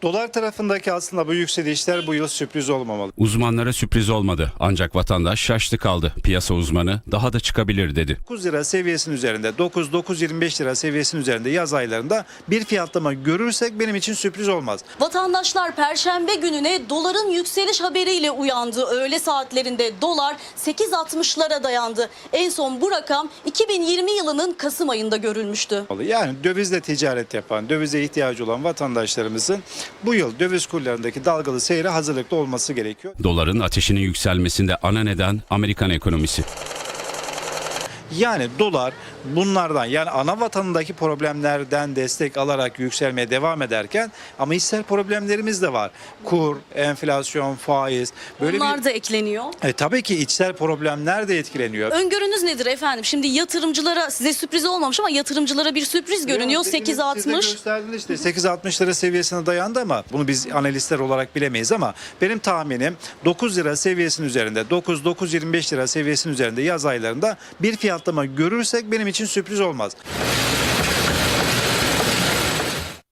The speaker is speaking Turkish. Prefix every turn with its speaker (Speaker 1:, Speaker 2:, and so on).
Speaker 1: Dolar tarafındaki aslında bu yükselişler bu yıl sürpriz olmamalı.
Speaker 2: Uzmanlara sürpriz olmadı ancak vatandaş şaştı kaldı. Piyasa uzmanı daha da çıkabilir dedi.
Speaker 1: 9 lira seviyesinin üzerinde 9-9.25 lira seviyesinin üzerinde yaz aylarında bir fiyatlama görürsek benim için sürpriz olmaz.
Speaker 3: Vatandaşlar Perşembe gününe doların yükseliş haberiyle uyandı. Öğle saatlerinde dolar 8.60'lara dayandı. En son bu rakam 2020 yılının Kasım ayında görülmüştü.
Speaker 1: Yani dövizle ticaret yapan, dövize ihtiyacı olan vatandaşlarımızın bu yıl döviz kurlarındaki dalgalı seyre hazırlıklı olması gerekiyor.
Speaker 2: Doların ateşinin yükselmesinde ana neden Amerikan ekonomisi.
Speaker 1: Yani dolar bunlardan, yani ana vatanındaki problemlerden destek alarak yükselmeye devam ederken ama içsel problemlerimiz de var. Kur, enflasyon, faiz. Böyle
Speaker 3: Bunlar da ekleniyor.
Speaker 1: tabii ki içsel problemler de etkileniyor.
Speaker 3: Öngörünüz nedir efendim? Şimdi yatırımcılara, size sürpriz olmamış ama yatırımcılara bir sürpriz görünüyor.
Speaker 1: Siz de
Speaker 3: 8.60.
Speaker 1: gösterdiniz işte 8.60 lira seviyesine dayandı ama bunu biz analistler olarak bilemeyiz ama benim tahminim 9 lira seviyesinin üzerinde, 9-9.25 lira seviyesinin üzerinde yaz aylarında bir fiyatlama görürsek benim için sürpriz olmaz.